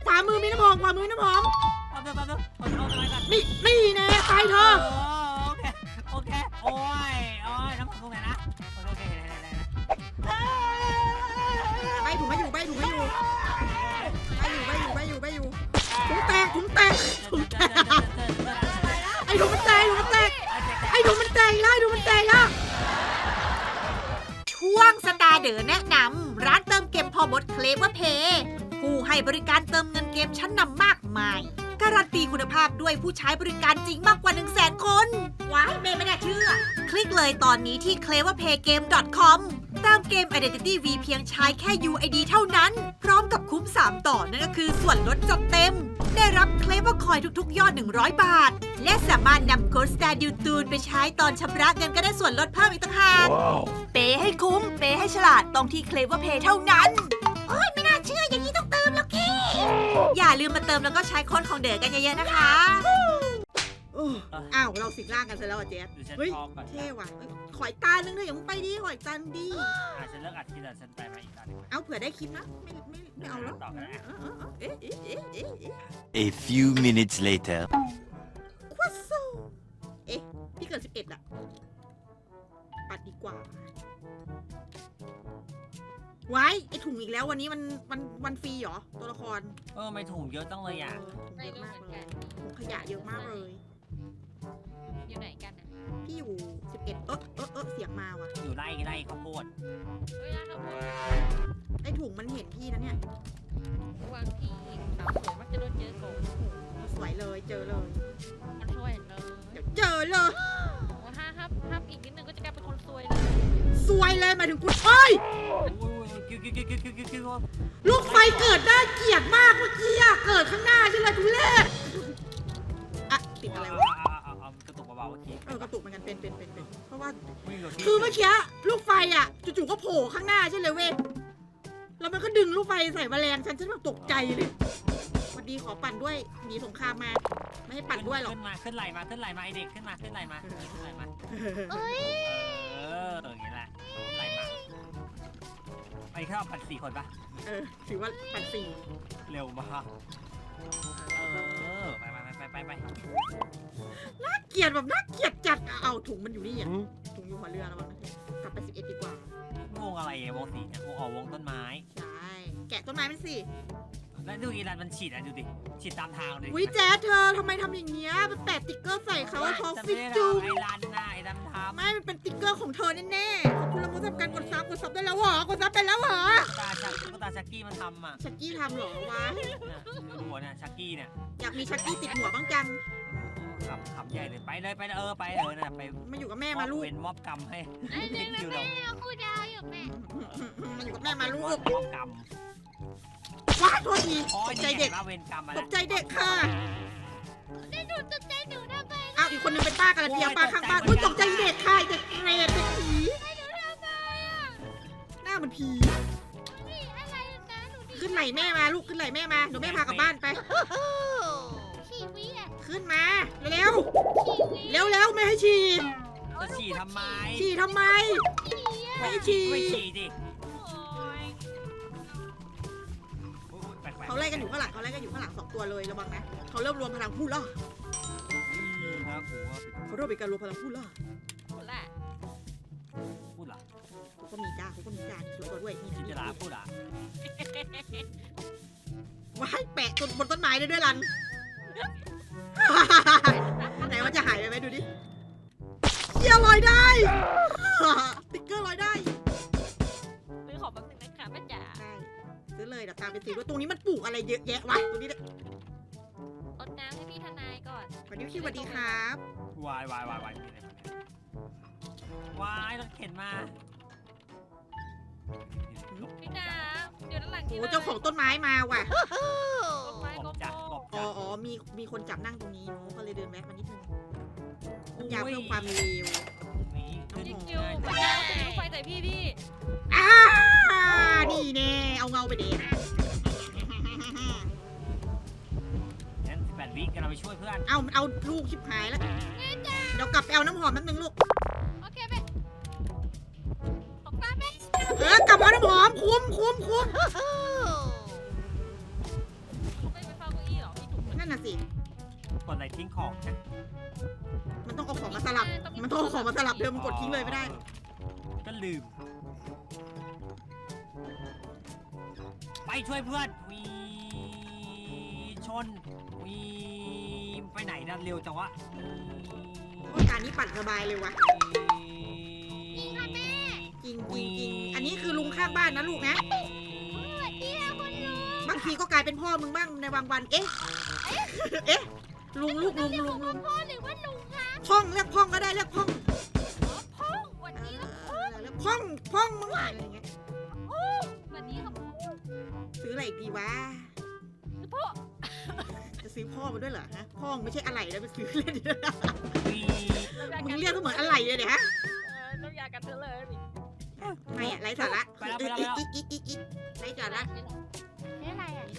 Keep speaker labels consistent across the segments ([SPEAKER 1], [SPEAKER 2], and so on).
[SPEAKER 1] ขวามือมีน้ำหอมขวามือน้ำหอม
[SPEAKER 2] เอาอะไรกัน
[SPEAKER 1] นี่แน่ไปเธอ
[SPEAKER 2] โอเคโอ้ยน้ำหอมตรงไหนนะโอเค
[SPEAKER 1] ใบถุงไม่อยู่ถุงแตกไอ้ถุงมันแตกแล้วช่วงสตาร์เดอร์แนะนำร้านเติมเกมพอมดเคลเวอร์เพย์ผู้ให้บริการเติมเงินเกมชั้นนำมากมายการันตีคุณภาพด้วยผู้ใช้บริการจริงมากกว่า 100,000 คนว้ายไม่น่าเชื่อคลิกเลยตอนนี้ที่ cleverpaygame.com เติมเกม Identity V เพียงใช้แค่ UID เท่านั้นพร้อมกับคุ้ม3ต่อนั่นก็คือส่วนลดจัดเต็มได้รับ Clever Coin ทุกๆยอด100 บาทและสามารถนำโค้ด Star d u t u n ไปใช้ตอนชำระเงินก็ได้ส่วนลดเพิ่มอีกต่างหากเปย์ให้คุ้มเปย์ให้ฉลาดต้องที่ Clever Pay เท่านั้นโอ้ยไม่น่าเชื่ออย่างนี้ต้องเติมแล้วกี้อย่าลืมมาเติมแล้วก็ใช้โค้ดของเด๋อกันเยอะๆนะคะอ้าวเราสิงร่างกันซะแล้วอ่ะเจ๊เฮ้ยเท่ว่ะขอยตานึงเถอะอย่ามึงไปดิขอยตาดี
[SPEAKER 2] ฉันเลิกอัดทีละฉันไปมาอีกตอนนึง
[SPEAKER 1] เอาเผื่อได้คลิปนะไม่เอาแล้ว
[SPEAKER 2] ต่อกันนะ
[SPEAKER 3] A few minutes later.
[SPEAKER 1] ควาโซพี่เกิด11อะปัดดีกว่าไว้ไอถุงอีกแล้ววันนี้มันฟรีเหรอตัวละคร
[SPEAKER 2] ไม่ถุงเยอะจังเลยอ่ะ
[SPEAKER 1] ถุงเยอะมากเลยถุงขยะเยอะมากเลย
[SPEAKER 4] อยู่ไหนกันนะ
[SPEAKER 1] พี่อยู่11เสียงมาว่ะ
[SPEAKER 2] อยู่ไร่ข้าวโพด
[SPEAKER 4] เฮ้ยร้านข้าวโพด
[SPEAKER 1] ไอถุงมันเห็นพี่นะเนี่ยว
[SPEAKER 4] างที่สาวสวยมักจะโดนเจอโกง
[SPEAKER 1] สวยเลยเจอเลย
[SPEAKER 4] มันช่วยเลย
[SPEAKER 1] เดี๋ยวเจอเลย
[SPEAKER 4] โอ้ห้ามอีกนิดนึงก็จะกลายเป็นคนซวยเลย
[SPEAKER 1] สวยเลยหมายถึงกูเอ้ยลูกไฟเกิดน่าเกลียดมากเมื่อกี้อะเกิดข้างหน้าใช่ไหมทุเรศอะติดอะไรวะ
[SPEAKER 2] กระตุกเบาๆเมื่อกี้
[SPEAKER 1] กระตุกเหมือนกันเป็นเพราะว่าคือเมื่อกี้ลูกไฟอ่ะจู่ๆก็โผล่ข้างหน้าใช่เลยเว้ยแล้วมันก็ดึงลูกไฟใส่แมลงฉันแบบตกใจเลยวันดีขอปั่นด้วยหนีสงครามมาไม่ให้ปั่นด้วยหรอก
[SPEAKER 2] ขึ้นไหลมาไอเด็กขึ้นไหลมา
[SPEAKER 4] เอ้ย
[SPEAKER 2] อย่างนี้แหละไหลมาไอ้ข้าวปั่น4 คนปะ
[SPEAKER 1] ถือว่าปั่น4
[SPEAKER 2] เร็วมากไป
[SPEAKER 1] น่าเกลียดแบบน่าเกลียดจัดเอาถุงมันอยู่นี่อ่ะถุงอยู่หัวเรือแล้วมั้งกลับไป11ดีกว่าว
[SPEAKER 2] งอะไรวงสีเนี่ยวงต้นไม้
[SPEAKER 1] ใช่แกะต้นไม้มันสิ
[SPEAKER 2] แล้วดูอีรันมันฉีดดูดิฉีดตามทางเลย
[SPEAKER 1] วิแจ๊ดเธอทำไมทำอย่างเงี้ยมันแปะติ๊กเกอร์ใส่เขาทอฟฟิจู
[SPEAKER 2] ไอ้รันน่ะไอ้ดำทำ
[SPEAKER 1] ไม่มันเป็นติ๊กเกอร์ของเธอแน่ๆขอบคุณละมุนสำหรับการกดซับได้แล้วเหรอกดซับไปแล้วเหรอ
[SPEAKER 2] ตาชักกี้มันทำอ่ะ
[SPEAKER 1] ชักกี้ทำเหรอวะ
[SPEAKER 2] หัวเนี่ยชักกี้เนี่ย
[SPEAKER 1] อยากมีชักกี้ติดหัวบ้างจัง
[SPEAKER 2] ขำใหญ่เลยไปเลยนะไป
[SPEAKER 1] มาอยู่กับแม่มาลูก
[SPEAKER 2] เป็นมอบกรรมให้
[SPEAKER 4] ไอ้เด็กแม่เอาคู่ดาวอยู่แม่
[SPEAKER 1] มาอยู่กับแม่มาลูก
[SPEAKER 2] มอบกรรม
[SPEAKER 1] ว้าโทษทีตกใจเด็ก
[SPEAKER 2] เวรกรรมมา
[SPEAKER 1] ตกใจเด็กค่ะ
[SPEAKER 4] ได้หนูตกใจหนูทำไม
[SPEAKER 1] อ้าวอีกคนนึงเป็นป้ากระเทียมป้าข้างบ้านอุ้ยตกใจเด็กค่ะเด็กเรดเด็กผี
[SPEAKER 4] หนูทำไมอ่ะ
[SPEAKER 1] หน้ามันผี
[SPEAKER 4] นี่อะไรนะหนูดี
[SPEAKER 1] ขึ้นไหล่แม่มาลูกขึ้นไหล่แม่มาเดี๋ยวแม่พากลับบ้านไป
[SPEAKER 4] ชีวิตอ่ะ
[SPEAKER 1] ขึ้นมาเร็ว
[SPEAKER 4] ชีวิต
[SPEAKER 1] เร็วไม่ให้ฉี่
[SPEAKER 2] จะฉี่ทำไม
[SPEAKER 1] ฉี่ทำไม ไม่ให้ฉี่
[SPEAKER 2] ไม่ฉี่ดิ
[SPEAKER 1] เขาไล่กันอยู่ข้างหลัง2 ตัวเลยระวังนะเขาเริ่มรวมพลังพูดล่ะเขาเริ่มเป็นการรวมพลังพูดล่ะ
[SPEAKER 4] พูดละ
[SPEAKER 2] พูดเหรอ
[SPEAKER 1] เขาก็มีจ้าช่วยตัวด้วยนี่
[SPEAKER 2] จิจราพูดอ่ะ
[SPEAKER 1] ว้ายแปะบนต้นไม้ได้ด้วยลัน ไหนมันจะหายไปไหมดูดิเชี่ยลอยได้ ติ๊กเกอร์ลอยได้
[SPEAKER 4] ซื้อของแป๊บนึงนะคะแม่จ๋า
[SPEAKER 1] ใช่ซื้อเลยเดี๋ยวตามไปซื้อด้วยตรงนี้มันปลูกอะไรเยอะแยะวะตรงนี้เนี่ย
[SPEAKER 4] อดน้ำให้พี่ทนายก่อน
[SPEAKER 1] สวัสดีพี่สวัสดีครับ
[SPEAKER 2] วายรถเข็นมา
[SPEAKER 4] พี่จ๋าเดี๋ยวด้านหลัง
[SPEAKER 1] โอ้เจ้าของต้นไม้มาว่ะ
[SPEAKER 4] กบไม้กบ
[SPEAKER 2] จัด
[SPEAKER 4] โบ
[SPEAKER 2] กบ
[SPEAKER 1] อ๋อมีคนจับนั่งตรงนี้เนาะก็เลยเดินแวะมานิดนึงยาเพิ่มความเร็ว
[SPEAKER 2] นี้ขึ้น
[SPEAKER 4] จิ๊กจิวพี่จ๋าจะมีลูกไฟใส่พี่
[SPEAKER 1] นี่แน่เอาเงาไปเด็ด
[SPEAKER 2] งั้น18 วิกันเราไปช่วยเพื่อน
[SPEAKER 1] เอาลูกชิบหายแล้วเดี๋ยวกลับไปเอาน้ำหอมแป๊บนึงลูก
[SPEAKER 4] โอเคแม่ของตาแม่
[SPEAKER 1] กลับมาเอาน้ำหอมคุ้ม
[SPEAKER 4] ไป
[SPEAKER 2] ของนะ
[SPEAKER 1] มันต้องเอาของมาสลับ มันต้องเอาของมาสลับเดิมมันกดทิ้งเลยไม่ได้
[SPEAKER 2] ก็ลืม ไปช่วยเพื่อนวีชนวีไปไหนนะเร็วจังวะ
[SPEAKER 1] การนี้ปั่นสบายเลยวะ
[SPEAKER 4] จริงค่ะแม่
[SPEAKER 1] จริงอันนี้คือลุงข้างบ้านนะลูกนะ
[SPEAKER 4] สวัสดีค่ะคุณลุง
[SPEAKER 1] บางทีก็กลายเป็นพ่อมึงบ้างในบางวัน เอ๊ะ เอ๊ะ ลุง
[SPEAKER 4] เรียกผมว่าพ่อหรือว่าลุงคะ
[SPEAKER 1] พ่องเรียกพ่องก็ได้เรียกพ่อง
[SPEAKER 4] อ๋อพ่อสวัสดีครับพ่อ
[SPEAKER 1] เรียกพ่องมึงอะไรอย่างเงี้ย
[SPEAKER 4] สวัสดีครับพ่อ
[SPEAKER 1] ซื้ออะไรอีกดีวะ
[SPEAKER 4] พ่อ
[SPEAKER 1] จะซื้อพ่อมาด้วยเหรอฮะ พ่อมึงไม่ใช่อะไรแล้วไปซื้อเล่นดิ
[SPEAKER 2] วี
[SPEAKER 1] มึงเรียกก็เหมือนอะไรเลยเนี่ยฮะ
[SPEAKER 4] น้ำยากันเธอเลย
[SPEAKER 1] ไม่อะไรสาระอีกไรสาระ
[SPEAKER 4] นี่อะไรอ่ะ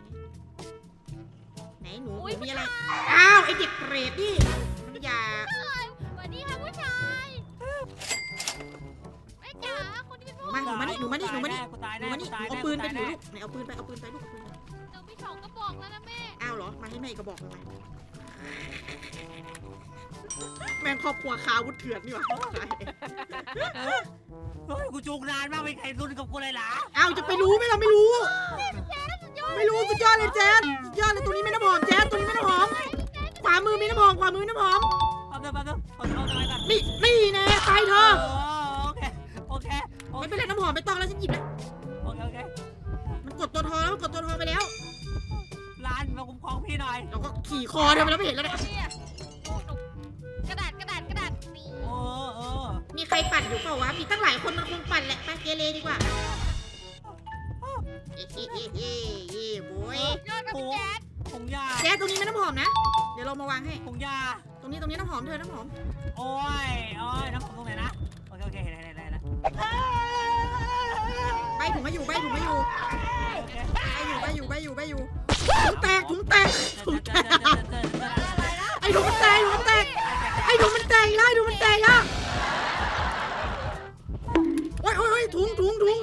[SPEAKER 1] ไหนหนู
[SPEAKER 4] อุ๊ย
[SPEAKER 1] มีอะไร อ้าวไอเด็กเปรตนี่มันอย่า
[SPEAKER 4] สวัสดีค่ะผู้ชายแม่จ๋าคนที่เป็นพ่อ
[SPEAKER 1] หนูมานี่
[SPEAKER 2] กูตาย
[SPEAKER 1] หนู
[SPEAKER 2] แน่
[SPEAKER 1] มานี่
[SPEAKER 2] กูตาย
[SPEAKER 1] เอา
[SPEAKER 2] แน่
[SPEAKER 1] ปืนไป
[SPEAKER 2] กู
[SPEAKER 1] ถื
[SPEAKER 2] ตาย
[SPEAKER 1] อ
[SPEAKER 2] แน่
[SPEAKER 1] ลูกไหนเอาปืนไปลูกเอาปืนไป
[SPEAKER 4] หนูมีสองกระบอกแล้วนะแม่
[SPEAKER 1] อ้าวเหรอ มาให้แม่กระบอกทำไมแม่งครอบครัวคาวุธเถื่อนนี่หว่า
[SPEAKER 2] เฮ้ยกูจูงนานมากไม่ใครรุนกับกูเลยเหรอ
[SPEAKER 1] อ้าวจะไปรู้ไหมเราไม่รู้ ไม่รู้สุดยอดเลยแจ๊ดสุดยอดเลยตรงนี้ไม่น้ำหอมแจ๊ดตรงนี้ไม่น้ำหอม ขวามือมีน้ำหอมขวามือมีน้ำหอม
[SPEAKER 2] เอาเถอะเอาตรงไหนกัน
[SPEAKER 1] นี่แน่ตายเธอ
[SPEAKER 2] โอเค
[SPEAKER 1] ไม่เป็นไรน้ำหอมไม่ต้องแล้วฉันหยิบแล้ว
[SPEAKER 2] โอเค
[SPEAKER 1] มันกดตัวทอแล้วมันกดตัวทอไปแล้ว
[SPEAKER 2] ร้านมาคุ้มครองพี่หน่อย
[SPEAKER 1] เราก็ขี่คอเธอไปแล้วไม่เห็นแล้วเนี่ย
[SPEAKER 4] เนี่ยโอ้หนูกระดาษนี่
[SPEAKER 1] มีใครปั่นอยู่เปล่าวะ มีตั้งหลายคนมันคงปั่นแหละไปเกเรดีกว่าโว้ย
[SPEAKER 4] ยอดกับพี่แจ๊ด
[SPEAKER 2] ผงยา
[SPEAKER 1] แจ๊ดตรงนี้ไม่น้ำหอมนะ เดี๋ยวเรามาวางให้
[SPEAKER 2] ผงยา
[SPEAKER 1] ตรงนี้น้ำหอมเธอน้ำหอม
[SPEAKER 2] โอ้ยน้ำผมตรงไหนนะโอเคเห็นแล้ว
[SPEAKER 1] ใบถุงมาอยู่ถุงแตกไอ้ถุงมันแตกไอ้ถุงมันแตกแล้วโอ้ยถุง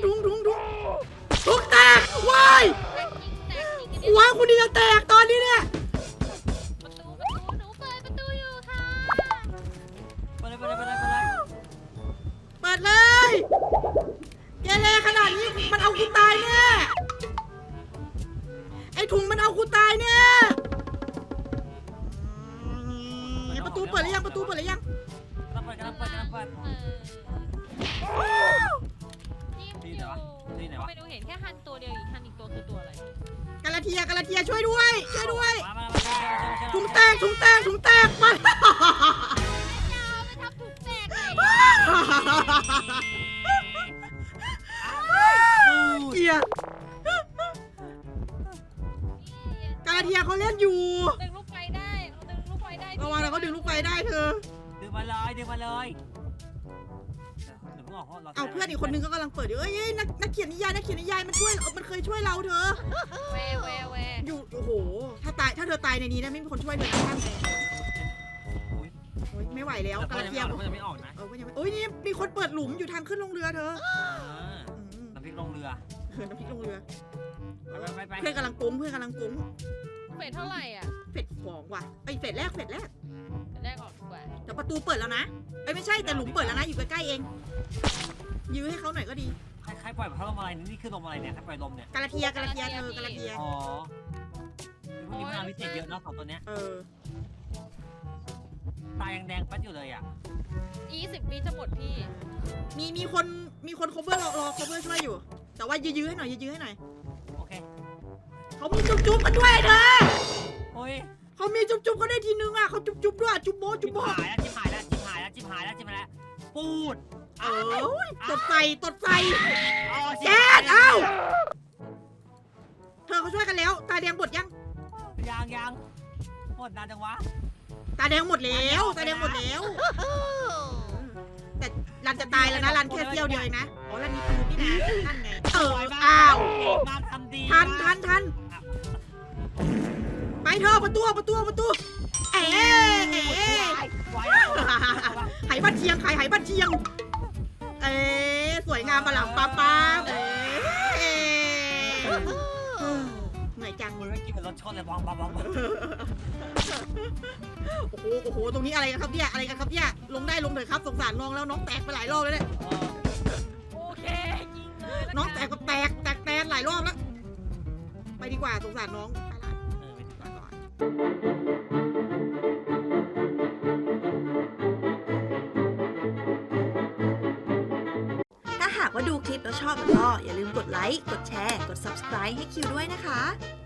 [SPEAKER 1] แตกว้าย
[SPEAKER 4] แตกจริง
[SPEAKER 1] หัวคุณนี่จะแตกตอนนี้เนี่ย
[SPEAKER 4] ประตูหนูเปิดประตูอยู่ค่ะ
[SPEAKER 2] ไปเลย
[SPEAKER 1] เปิดเลยเกเรขนาดนี้มันเอาคุณตายแน่ไอ้ถุงมันเอาคุณตายแน่ประตูเปิดหรือยัง
[SPEAKER 2] กำลังเปิด
[SPEAKER 4] เขาไม่รู้เห็นแค่ฮันตัวเดียวอีกฮันอีกตัวคือตัวอะไร
[SPEAKER 1] กาลาเทียช่วยด้วย
[SPEAKER 2] มา
[SPEAKER 1] ถุงแตกมา
[SPEAKER 4] แม่เจ้าไม่ทำถูกแตกเลย
[SPEAKER 1] เกลียดกาลาเทียเขาเล่นอยู่
[SPEAKER 4] ดึงลูกไฟได้
[SPEAKER 1] ระวังเราก็ดึงลูกไฟได้เธอ
[SPEAKER 2] ดึงมาเลย
[SPEAKER 1] เอาเพื่อนอีกคนนึงก็กำลังเปิดอยู่เอ้ยนักเขียนนิยายมันช่วยมันเคยช่วยเราเธอ
[SPEAKER 4] แว
[SPEAKER 1] อยู่โอ้โหถ้าเธอตายในนี้นะไม่มีคนช่วยเธอนะท่านเลยโอ้ยไม่ไหวแล้วกาลาเทีย
[SPEAKER 2] มันจะไม่ออกนะ
[SPEAKER 1] โอ้ยนี่มีคนเปิดหลุมอยู่ทางขึ้นลงเรือเธอ
[SPEAKER 2] น้ำพริกลงเรือ
[SPEAKER 1] น้ำพริกลงเรือ
[SPEAKER 2] ไป
[SPEAKER 1] เพื่อนกำลังกุ้ง
[SPEAKER 4] เฟสเท่าไหร่อ่ะ
[SPEAKER 1] เฟดสองว่ะไอยเฟดแรก
[SPEAKER 4] แรกออกดีกว่า
[SPEAKER 1] แต่ประตูเปิดแล้วนะเอ้ยไม่ใช่แต่หลุมเปิดแล้วนะอยู่ใกล้ๆเองยื้อให้เขาหน่อยก็ดี
[SPEAKER 2] ใครปล่อยพัดลมอะไรนี่คือลมอะไรเนี่ยใครปล่อยลมเนี่ย
[SPEAKER 1] กาลาเทียเธอกาลาเทีย
[SPEAKER 2] อ๋อพวกนี้พลังพิเศษเยอะเนาะ2ตัวเนี้ย ตายังแดงปัดอยู่เลยอ่ะ
[SPEAKER 4] 20 ปีจะหมดพี่
[SPEAKER 1] มีคน cover รอ cover ช่วยอยู่ แต่ว่ายื้อให้หน่อย
[SPEAKER 2] โอเค
[SPEAKER 1] เขามีจุ๊บกันด้วยเธอ
[SPEAKER 2] โอ้ย
[SPEAKER 1] เขามีจุ๊บเขาได้ทีนึงอ่ะเขาจุ๊บด้วยจุ๊บโบ
[SPEAKER 2] จิบหายแล้วปูด
[SPEAKER 1] ตดไฟ
[SPEAKER 2] แจ๊
[SPEAKER 1] ดเอ้าเธอเขาช่วยกันแล้ว ตาแดงหมดยัง
[SPEAKER 2] ยังหมดนานจังวะ
[SPEAKER 1] ตาแดงหมดแล้วแต่รันจะตายแล้วนะรันแค่เที่ยวเดียวเองนะอ๋อรันมีปืนนี่นะนั่นไงอ้าว
[SPEAKER 2] มาทำดี
[SPEAKER 1] ทันไปเธอประตูเอ๋ไหบ้านเชียงเอ๋สวยงามปะหลังป้าเอ๋เหนื่อยจัง
[SPEAKER 2] คุณไม่กินเป็นรถชนเลยบองบองบอง
[SPEAKER 1] โอ้โหโอ้โหตรงนี้อะไรกันครับเนี่ยอะไรกันครับเนี่ยลงได้ลงเถอะครับสงสารน้องแล้วน้องแตกไปหลายรอบแล้วเนี่ย
[SPEAKER 4] โอเคยิงเลยล้ว
[SPEAKER 1] น้องแตกก็แตกแตนหลายรอบแล้วไปดีกว่าสงสารน้องไปละลาก่อนถ้าหากว่าดูคลิปแล้วชอบก็อย่าลืมกดไลค์ กดแชร์ กด subscribe ให้คิวด้วยนะคะ